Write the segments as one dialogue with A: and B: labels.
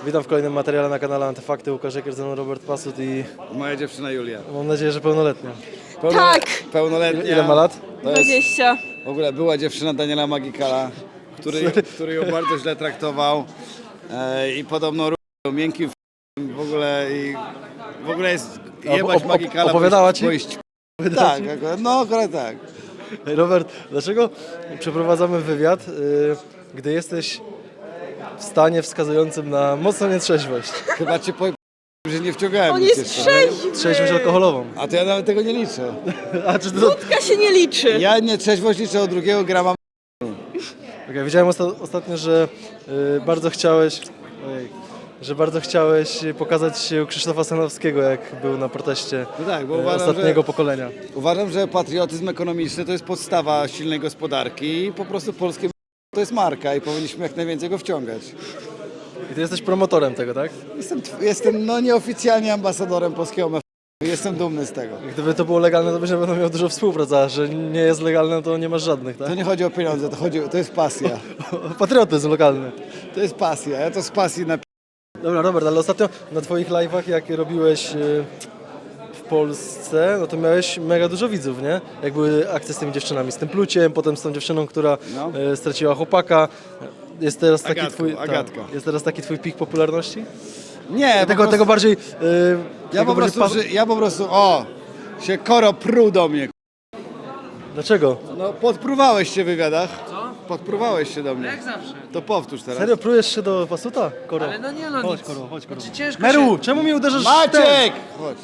A: Witam w kolejnym materiale na kanale Antyfakty. Łukasz Eker, ze mną Robert Pasut i
B: Moja dziewczyna Julia.
A: mam nadzieję, że pełnoletnia.
C: Tak!
B: Pełnoletnia.
A: Ile ma lat?
B: To jest
C: 20.
B: w ogóle była dziewczyna Daniela Magikala, który ją bardzo źle traktował i podobno ruchał miękkim w ogóle jest jebać Magikala.
A: Opowiadała ci?
B: Tak, akurat, no akurat tak.
A: Hey Robert, dlaczego przeprowadzamy wywiad, gdy jesteś w stanie wskazującym na mocną nietrzeźwość?
B: Chyba cię powiem, że nie wciągałem.
C: On
B: nic
C: jest
B: jeszcze.
C: trzeźwy!
A: Trzeźwość alkoholową.
B: A to ja nawet tego nie liczę.
A: A czy to...
C: Wódka się nie liczy.
B: Ja nietrzeźwość liczę od 2 grama.
A: Okay, widziałem ostatnio, że bardzo chciałeś... że bardzo chciałeś pokazać się u Krzysztofa Sanowskiego, jak był na proteście
B: No tak, bo uważam,
A: ostatniego pokolenia.
B: Uważam, że patriotyzm ekonomiczny to jest podstawa silnej gospodarki i po prostu polskie to jest marka i powinniśmy jak najwięcej go wciągać.
A: I ty jesteś promotorem tego, tak?
B: Jestem no nieoficjalnie ambasadorem polskiego MF. Jestem dumny z tego.
A: Gdyby to było legalne, to byś na pewno miał dużo współpracy, a że nie jest legalne, to nie masz żadnych, tak?
B: To nie chodzi o pieniądze, to jest pasja.
A: Patriotyzm lokalny.
B: To jest pasja, ja to z pasji
A: Dobra, Robert, ale ostatnio na twoich live'ach, jak robiłeś w Polsce, no to miałeś mega dużo widzów, nie? Jak były akcje z tymi dziewczynami, z tym pluciem, potem z tą dziewczyną, która
B: No.
A: straciła chłopaka. Jest teraz taki
B: Agatką,
A: twój...
B: Agatka.
A: Jest teraz taki twój pik popularności?
B: Nie,
A: Tego bardziej...
B: ja po prostu, się Koro pruł do mnie.
A: Dlaczego?
B: No podpruwałeś się w wywiadach. Co? Podpruwałeś się do mnie.
D: Jak zawsze.
B: To powtórz teraz.
A: Serio, prujesz się do Pasuta? Koro.
D: Ale no nie no
A: Chodź,
D: nic.
A: Koro, chodź, Koro.
D: Znaczy ciężko
A: Meru,
D: się...
A: czemu mi uderzasz w ten?
B: Maciek! Chodź.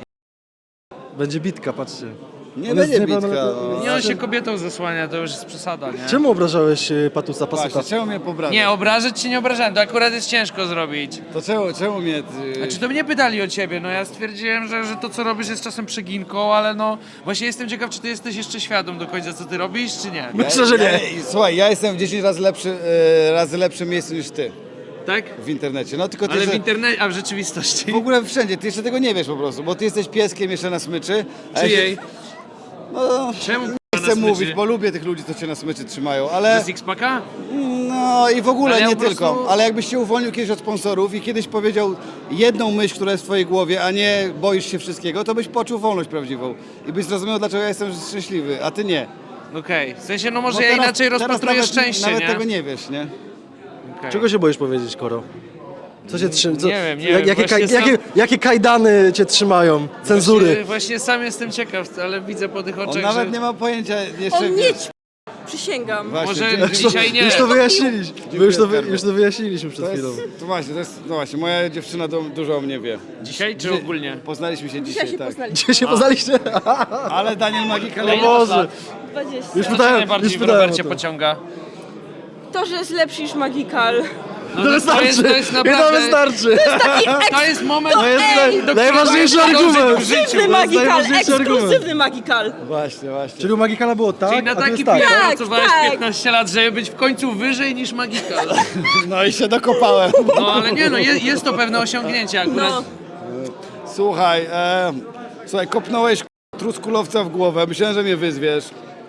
A: Będzie bitka, patrzcie.
B: Nie
A: On
B: będzie
A: jest
B: bitka.
A: niepełnoletni.
D: Nie, on się kobietą zasłania, to już jest przesada, nie?
A: Czemu obrażałeś Pasuta?
B: Właśnie, czemu mnie pobrałeś?
D: Nie, obrażać ci nie obrażałem, to akurat jest ciężko zrobić.
B: To czemu mnie...
D: Znaczy to mnie pytali o ciebie, no ja stwierdziłem, że to co robisz jest czasem przeginką, ale no właśnie jestem ciekaw, czy ty jesteś jeszcze świadom do końca co ty robisz, czy nie?
A: Myślę, że nie.
B: Słuchaj, ja jestem w 10 razy lepszym miejscu niż ty
D: Tak?
B: w internecie. No tylko ty
D: Ale w
B: że-
D: internecie, a w rzeczywistości?
B: w ogóle wszędzie, ty jeszcze tego nie wiesz po prostu, bo ty jesteś pieskiem jeszcze na smyczy. a ja
D: Czyjej?
B: się- No,
D: Czemu
B: nie
D: na
B: chcę
D: smyczy?
B: mówić, bo lubię tych ludzi, co cię na smyczy trzymają,
D: To
B: ale...
D: z X-Paka?
B: No i w ogóle
D: Ale ja
B: nie
D: po prostu-
B: tylko, ale jakbyś się uwolnił kiedyś od sponsorów i kiedyś powiedział jedną myśl, która jest w twojej głowie, a nie boisz się wszystkiego, to byś poczuł wolność prawdziwą i byś zrozumiał, dlaczego ja jestem szczęśliwy, a ty nie.
D: Okej, w sensie no może
B: Bo
D: ja
B: teraz-
D: inaczej
B: teraz
D: rozpatruję
B: nawet,
D: szczęście,
B: nawet
D: nie?
B: tego nie wiesz, nie?
D: Okej.
A: Czego się boisz powiedzieć, Koro? Co cię trzyma?
D: Nie wiem, nie wiem, właśnie
A: Jakie kajdany cię trzymają? Cenzury?
D: Właśnie sam jestem ciekaw, ale widzę po tych
B: On
D: oczach,
B: nawet
D: że...
B: nie ma pojęcia jeszcze...
C: On nie
B: wiesz,
C: Przysięgam.
B: właśnie,
D: Może dzisiaj nie.
A: Już to wyjaśniliśmy.
B: Dziękuję,
A: Już to wyjaśniliśmy przed
B: to
A: chwilą.
B: jest, no właśnie, moja dziewczyna dużo o mnie wie.
D: Dzisiaj czy ogólnie?
B: Poznaliśmy się
C: Dzisiaj
B: dzisiaj,
C: się
B: tak.
C: poznaliśmy.
A: Gdzie się poznaliście?
B: Ale Daniel Magikal...
A: O Boże.
C: 20.
A: Już
D: Co cię
A: pytałem,
D: najbardziej
A: już
D: w
A: pytałem o
D: Robercie
A: to.
D: pociąga?
C: To, że jest lepszy niż Magikal.
D: No
A: To wystarczy.
D: to jest
A: I to
D: naprawdę...
A: wystarczy.
D: To jest moment...
A: To jest
C: ej,
A: najważniejszy
D: którego
A: argument.
D: dążyć w życiu.
C: Ekskluzywny Magikal,
A: najważniejszy argument.
C: ekskluzywny Magikal.
B: Właśnie, właśnie.
A: Czyli u Magikala było tak,
D: Czyli na
A: a tu
D: taki
A: jest tak.
D: PR
C: Tak,
D: pracowałeś
C: tak.
D: 15 lat, żeby być w końcu wyżej niż Magikal.
B: No i się dokopałem.
D: No ale nie no, jest to pewne osiągnięcie akurat.
C: No.
B: Słuchaj, kopnąłeś truskulowca w głowę, myślałem, że mnie wyzwiesz.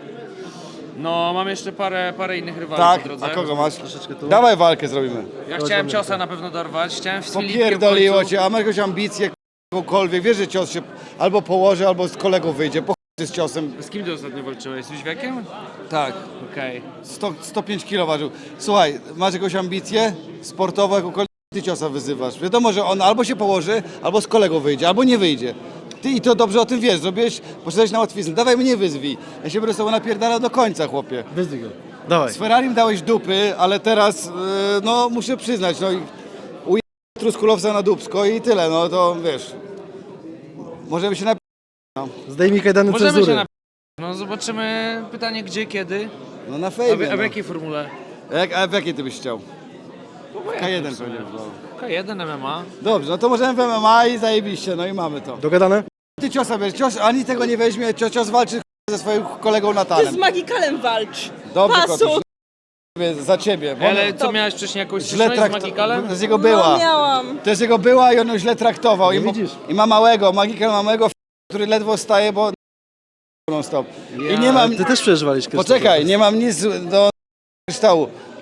D: No mam jeszcze parę innych rywali
B: Tak,
D: po drodze.
B: a kogo masz?
A: Troszeczkę tu.
B: Dawaj walkę zrobimy.
D: Ja chciałem ciosa na pewno dorwać, chciałem z Filipkiem w
B: Popierdoliło
D: końcu.
B: cię, a masz jakąś ambicję, jakąkolwiek. Wiesz, że cios się albo położy, albo z kolegą wyjdzie. Po chuj z ciosem.
D: Z kim ty ostatnio walczyłeś? Z Jóźwiakiem?
B: Tak,
D: Okej.
B: 105 kg ważył. Słuchaj, masz jakąś ambicję sportową, jakąkolwiek, ty ciosa wyzywasz. Wiadomo, że on albo się położy, albo z kolegą wyjdzie, albo nie wyjdzie. Ty i to dobrze o tym wiesz, poszedłeś na łatwiznę. Dawaj mnie wyzwij. Ja się będę z tobą napierdalał do końca, chłopie.
A: Wyzdwij go. Dawaj.
B: Z Ferrarim dałeś dupy, ale teraz, no muszę przyznać, no i ujechałem truskulowca na dupsko i tyle, no to wiesz. Możemy się
A: Zdejmij kajdany
D: Możemy
A: cenzury.
D: się na... No zobaczymy pytanie gdzie, kiedy.
B: no na
D: A w
B: fejmie.
D: jakiej formule?
B: A w jakiej ty byś chciał? K1 pewnie. No.
D: K1 MMA.
B: Dobrze, no to możemy w MMA i zajebiście, no i mamy to.
A: Dogadane?
B: Ty ciosa bierz, cios ani tego nie weźmie, cios walczy ze swoim kolegą
C: Ty z
B: Natanem.
C: Magikalem walcz.
B: Dobrze,
C: Pasu.
B: kotuś, za ciebie. Bo
D: Ale co miałeś wcześniej jakąś
B: źle
D: styczność z
B: traktował.
D: Magikalem?
B: To jest jego
C: No
B: była.
C: miałam.
B: To jest jego była i on ją źle traktował.
A: Nie widzisz?
B: I ma małego, Magikal ma małego, który ledwo staje, bo non stop. I nie mam,
A: Ty też przeżywaliś Krzysztof.
B: poczekaj, nie mam nic do kryształu.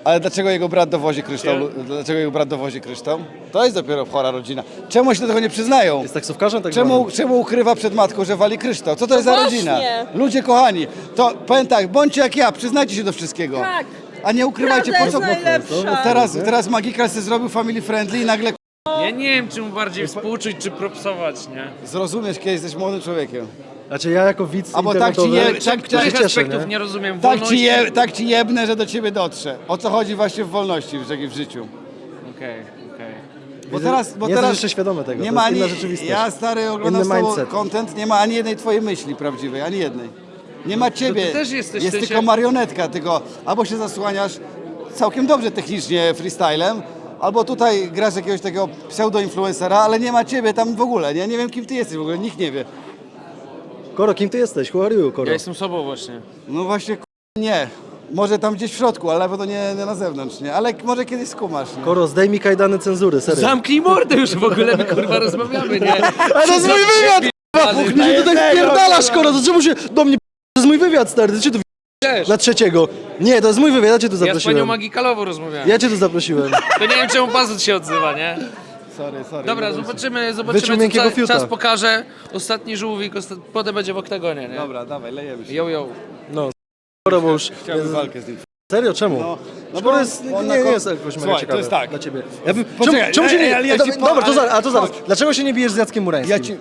B: Ale dlaczego jego brat dowozi kryształ? Dlaczego jego brat dowozi kryształ? To jest dopiero chora rodzina. Czemu się do tego nie przyznają?
A: Jest taksówkarzem tak
B: Czemu ukrywa przed matką, że wali kryształ? Co to jest za
C: właśnie.
B: rodzina? Ludzie kochani, to powiem tak, bądźcie jak ja, przyznajcie się do wszystkiego.
C: Tak.
B: A nie ukrywajcie,
C: Prawda
B: po co?
C: jest najlepsza.
B: Teraz Magical sobie zrobił family friendly i nagle
D: Ja nie wiem, czy mu bardziej współczuć, czy propsować, nie?
B: zrozumiesz, kiedy jesteś młodym człowiekiem.
A: Znaczy ja jako widz
B: Albo tak ci
A: internetowy
B: je-
A: się
D: Których
A: cieszę,
D: aspektów
A: nie?
D: nie rozumiem?
B: Tak
D: Wolności?
B: tak ci jebnę, że do ciebie dotrze. O co chodzi właśnie w wolności w życiu.
D: Okej.
B: Bo
A: Widzę,
B: teraz,
A: nie jesteś jeszcze świadomy tego,
B: nie
A: to
B: ma
A: jest
B: ani,
A: inna rzeczywistość.
B: ja stary oglądam
A: Inny
B: z tobą
A: mindset.
B: content, nie ma ani jednej twojej myśli prawdziwej, ani jednej. Nie ma ciebie,
D: ty też jesteś,
B: jest
D: w sensie-
B: tylko marionetka, tylko albo się zasłaniasz całkiem dobrze technicznie freestylem, albo tutaj grasz jakiegoś takiego pseudo-influencera, ale nie ma ciebie tam w ogóle, nie? Nie wiem kim ty jesteś w ogóle, nikt nie wie.
A: Koro, kim ty jesteś? Who are you, Koro?
D: Ja jestem sobą właśnie.
B: No właśnie nie, może tam gdzieś w środku, ale na pewno nie na zewnątrz, nie? Ale może kiedyś skumasz, nie?
A: Koro, zdejmij kajdany cenzury, serio.
D: Zamknij mordę już w ogóle, my kurwa rozmawiamy, nie?
A: Ale to jest mój wywiad! Nie się tutaj wpierdalasz, Koro, to czemu się do mnie to jest mój wywiad, stary, ty cię tu
D: Też.
A: na trzeciego. Nie, to jest mój wywiad, ja cię tu
D: Ja z panią
A: zaprosiłem.
D: Magikalową rozmawiałem.
A: Ja cię tu zaprosiłem.
D: To nie wiem, czemu Pazut się odzywa, nie?
B: Sorry.
D: Dobra,
B: nie bój się.
D: zobaczymy
A: Wyczuł miękkiego
D: co
A: fiuta.
D: czas pokaże. Ostatni żółwik, potem będzie w oktagonie, nie?
B: Dobra, dawaj, lejemy się.
D: Yo.
A: No, Koro, bo już...
B: Chciałbym walkę z nim.
A: Serio, czemu?
B: No
A: Bo
B: bo
A: jest,
B: on
A: nie
B: na
A: jest jakoś mega
B: Słuchaj,
A: ciekawe
B: to jest tak.
A: dla ciebie. Ja bym,
B: Poczekaj,
A: czemu się nie...
B: ale ja ci
A: Dobra, to
B: ale-
A: zaraz.
B: chodź.
A: Dlaczego się nie bijesz z Jackiem Murańskim?
B: Ja ci...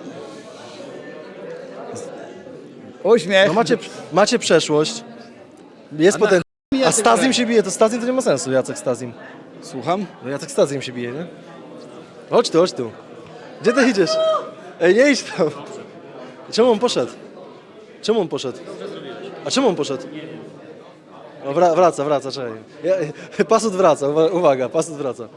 B: Uśmiech.
A: No macie przeszłość, jest potencjał, a
B: Jacek
A: Stazim
B: Murański.
A: się bije, to Stazim to nie ma sensu, Jacek Stazim.
B: Słucham?
A: No Jacek Stazim się bije, nie? Chodź tu. Gdzie ty idziesz? Ej, nie idź tam. Czemu on poszedł? A czemu on poszedł? No, wraca, czekaj. Pasut wraca, uwaga, Pasut wraca.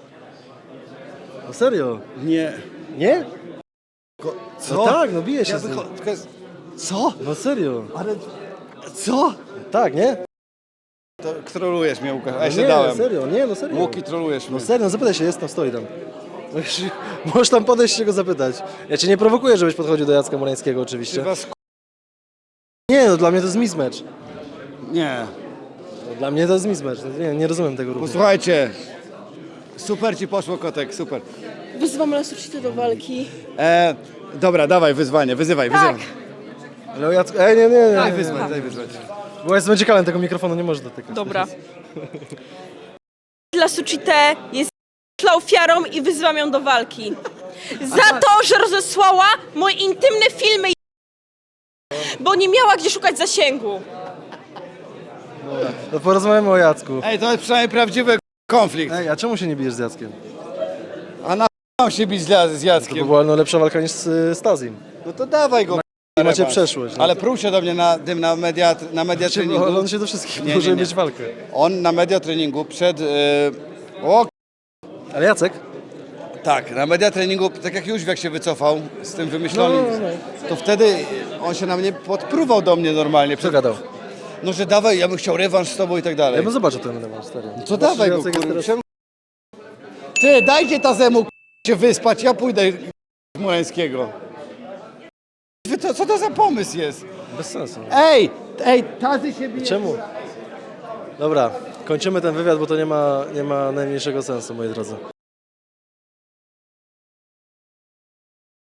A: No serio?
B: Nie.
A: Nie?
B: Co?
A: No tak, no bije się
B: Ja
A: z nim.
B: Co?
A: No serio?
B: Ale... Co?
A: Tak, nie?
B: To trolujesz mnie, Łukasz. A ja się
A: Nie,
B: dałem.
A: serio, nie, no serio.
B: Łuki, trolujesz
A: No
B: mnie.
A: serio, no zapytaj się, jest tam, stoi tam. Możesz tam podejść się go zapytać. Ja cię nie prowokuję, żebyś podchodził do Jacka Murańskiego oczywiście.
B: Czy was...
A: Nie, no dla mnie to jest mismatch.
B: Nie.
A: No, dla mnie to jest mismatch. No, nie rozumiem tego ruchu.
B: Posłuchajcie. Super ci poszło, kotek, super.
C: Wyzwam Lasucitę do walki.
B: Dobra, dawaj wyzwanie, wyzywaj.
A: Ale o Jacku... Ej, nie.
B: Daj wyzwać.
A: Bo jestem ciekawy, tego mikrofonu nie możesz dotykać.
C: Dobra. Lasucitę jest ofiarą i wyzwam ją do walki. Za to, że rozesłała moje intymne filmy, bo nie miała gdzie szukać zasięgu.
A: No porozmawiamy o Jacku.
B: Ej, to jest przynajmniej prawdziwy konflikt.
A: Ej, a czemu się nie bijesz z Jackiem?
B: A na mam się bić z
A: To
B: Jackiem.
A: była no, lepsza walka niż z Stazim.
B: No to dawaj go.
A: I macie
B: rewanż.
A: przeszłość. No.
B: Ale pruł się do mnie na media treningu.
A: On się do wszystkich
B: Nie,
A: może
B: nie, nie.
A: mieć walkę.
B: On na media treningu przed... o,
A: Ale Jacek?
B: tak, na media treningu, tak jak Jóźwiak się wycofał z tym wymyślonym,
A: No.
B: to wtedy on się na mnie podpruwał do mnie normalnie.
A: Co gadał?
B: No, że dawaj, ja bym chciał rewanż z tobą i tak dalej.
A: Ja bym zobaczył ten rewanż, stary.
B: Co
A: Zobaczysz,
B: dawaj go,
A: Jacek jest
B: kurwa.
A: teraz-
B: Ty, dajcie Tazemu się wyspać, ja pójdę Murańskiego. Co to za pomysł jest?
A: Bez sensu.
B: Ej, Tazy się bije.
A: Czemu? Dobra, kończymy ten wywiad, bo to nie ma najmniejszego sensu, moi drodzy.